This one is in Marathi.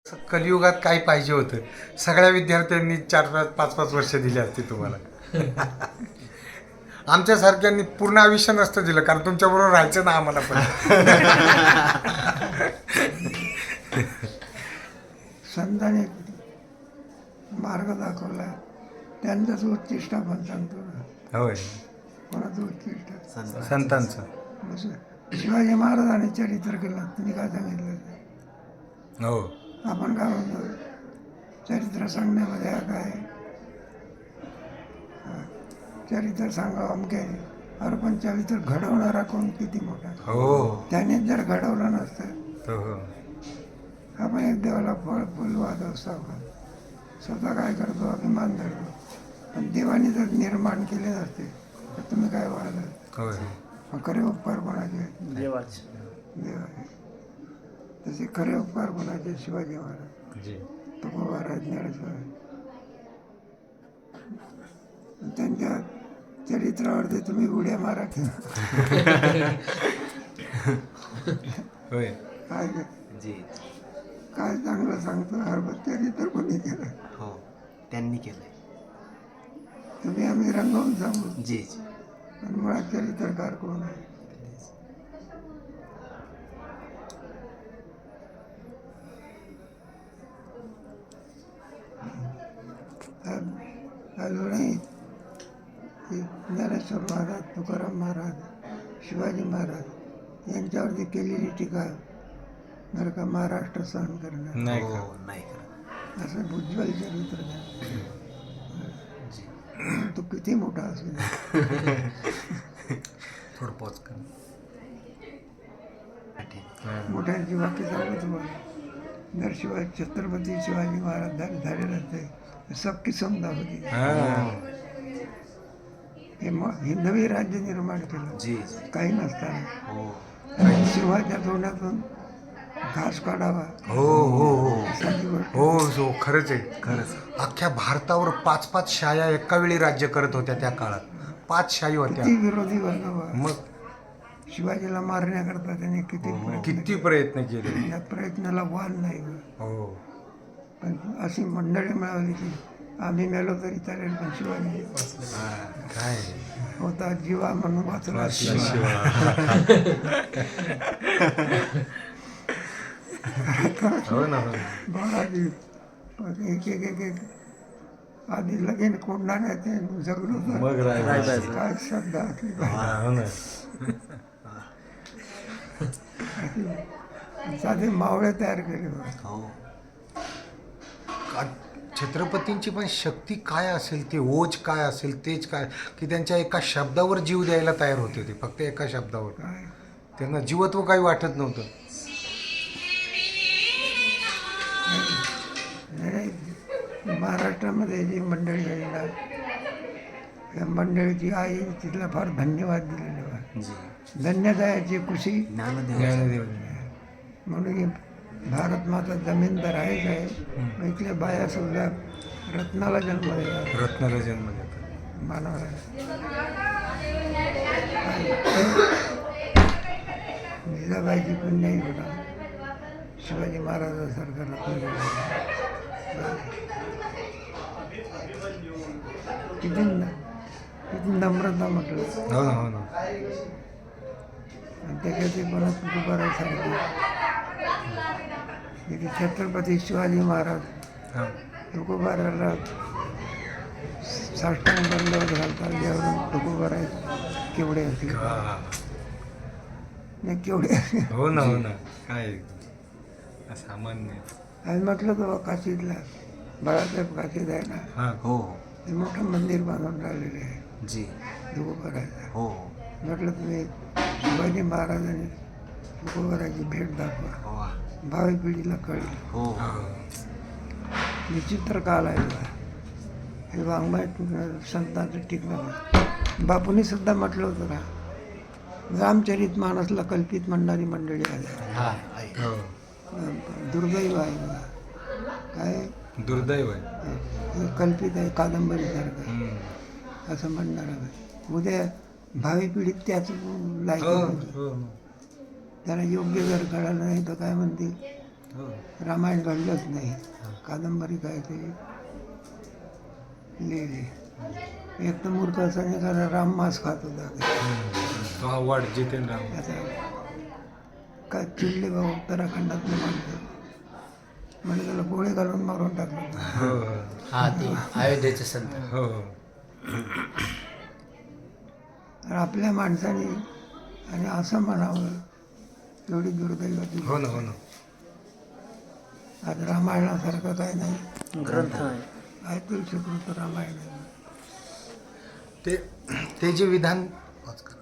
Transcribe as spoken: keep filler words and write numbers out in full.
कलियुगात काय पाहिजे होतं, सगळ्या विद्यार्थ्यांनी चार पाच पाच पाच वर्ष दिली असती तुम्हाला. आमच्यासारख्यांनी पूर्ण आयुष्य नसतं दिलं, कारण तुमच्याबरोबर राहायचं ना आम्हाला पण. संतांनी मार्ग दाखवला, त्यांचाच उच्चिष्ट आपण सांगतो ना. होय, कोणाचं उच्चिष्ट? संतांचं. जसं शिवाजी महाराजांनी चरित्र केलं, तुम्ही काय सांगितलं? हो, आपण काय म्हणतो, चरित्र सांगण्यामध्ये काय चरित्र सांगावं अमके, अरे पण चरित्र घडवणारा कोण किती मोठा. हो, त्यानेच जर घडवलं नसतं, हो, हो. आपण एक देवाला फळ फुल वाद असतो, आपण स्वतः काय करतो, अभिमान धरतो. पण देवाने जर निर्माण केले नसते तर तुम्ही काय वाढत. होय, मग खरे उपकार कोणाचे? देवाचे. देवाचे. तसे खरे उपकार कोणाचे? शिवाजी महाराज, जी. तुकोबाराज, ज्ञानेश्वर. त्यांच्या चरित्रावरती तुम्ही उड्या मारा की होय, काय जी. काय चांगलं सांगतो, हरबत चरित्र कोणी केलं? हो, त्यांनी केलंय. तुम्ही आम्ही रंगवून सांगू, जी जी. पण मुळात चरित्रकार कोण आहे? अजूनही ज्ञानेश्वर महाराज, तुकाराम महाराज, शिवाजी महाराज यांच्यावरती केलेली टीका बरं का महाराष्ट्र सहन करणार नाही हो, का? नाही करत. असं उज्ज्वल चरित्र द्या. तो किती मोठा असेल. थोडं पॉज कर. मोठ्यांची वाक्य सांगू तुम्हाला. जर शिवाय छत्रपती शिवाजी महाराज झाले झाले नसते तर सबकी समजा होती. हां. हे म हे नवे राज्य निर्माण केलं, जी जी. काही नसताना. हो सिंहाच्या तोंडातून घास काढावा हो, हो, हो. साधी गोष्ट. हो, हो, खरंच आहे, खरंच. अख्ख्या भारतावर पाच पाच शाया एका वेळी राज्य करत होत्या त्या काळात. पाच शाही होत्या. किती विरोधी वर्ग वा. मग शिवाजीला मारण्याकरता त्यांनी किती प्रयत्न किती प्रयत्न केले. केले. या प्रयत्नाला वाल नाही ग. हो, पण अशी मंडळी मिळाली की आम्ही मेलो तरी चालेल, पण शिवाजी काय होता जीवा म्हणून वाचला. हो ना, हो. बाळाजी पण एक एक एक एक आधी लगेन कोंडणार ते जगलो तर मग राहायचं. काय श्रद्धा असली हो ना. साधे मावळे तयार केले होते. हो. का- छत्रपतींची पण शक्ती काय असेल, ते ओज काय असेल, तेच काय की त्यांच्या एका शब्दावर जीव द्यायला तयार होते ते, फक्त एका शब्दावर. काय त्यांना जीवत्व काही वाटत नव्हतं. नाही, महाराष्ट्रामध्ये जी मंडळी आहे ना, या मंडळीची आई तिला फार धन्यवाद दिलेले बा. जी. धन्यदायाची खुशी ज्ञानदेव. ज्ञानदेव. म्हणून की भारत माता जमीनदार आहेच आहे. इथल्या बाया सुद्धा रत्नाला जन्म दिला रत्नाला जन्म देतात. मानवाला. जिजाबाईची पण नाही होता, शिवाजी महाराजासारखा रत्न. किती न- किती नम्रता म्हटलं. हो ना, हो ना. आणि त्याच्यात पण तुकोबारासारखी इथे छत्रपती शिवाजी महाराज हा. तुकोबाराला साष्टांग दंडवत घालतात, ज्यावरून तुकोबारा केवढे असतील हा. नाही केवढे असतील. हो ना, हो ना. काय सामान्य. आणि म्हटलं तर काशीतला बाळासाहेब काशीत आहे ना, हा. हो ते मोठं मंदिर बांधून राहिलेले आहे जी. तुकोबाराचं. हो म्हटलं तुम्ही शिवाजी महाराजांनी तुकोबाराची भेट दाखवा, हो भावी पिढीला कळेल. हो हो. विचित्र काल आहे बा. हे वाङ्मय संतांचं टिकलं. बापूंनी सुद्धा म्हटलं होतं ना, रामचरित मानसला कल्पित म्हणणारी मंडळी आहे. हा आहे. हो. दुर्दैव आहे बा. काय दुर्दैव आहे. हे कल्पित आहे, कादंबरीसारखं आहे, हम्म. असं म्हणणार आहे. उद्या भावी पिढीत त्याच लायक हो, होईल. हो. त्याला योग्य जर कळालं नाही तर काय म्हणतील, हो. रामायण घडलंच नाही. कादंबरी काय ते लिहिली. एक तर मूर्ख असं खरं राम मांस खात होता. तो हा वाढ जितेंद्र राम. आता काय चिडले बा उत्तराखंडातले माणसं, म्हणजे त्याला गोळे घालून मारून टाकलं. हो हा ते अयोध्येचे संत. हो आणि आपल्या माणसाने आणि असं म्हणावं एवढी दुर्दैवाची. हो ना हो ना. आज रामायणासारखं काय नाही. ग्रंथ आहे. काय तुलसीकृत रामायण आहे. ते ते जे विधान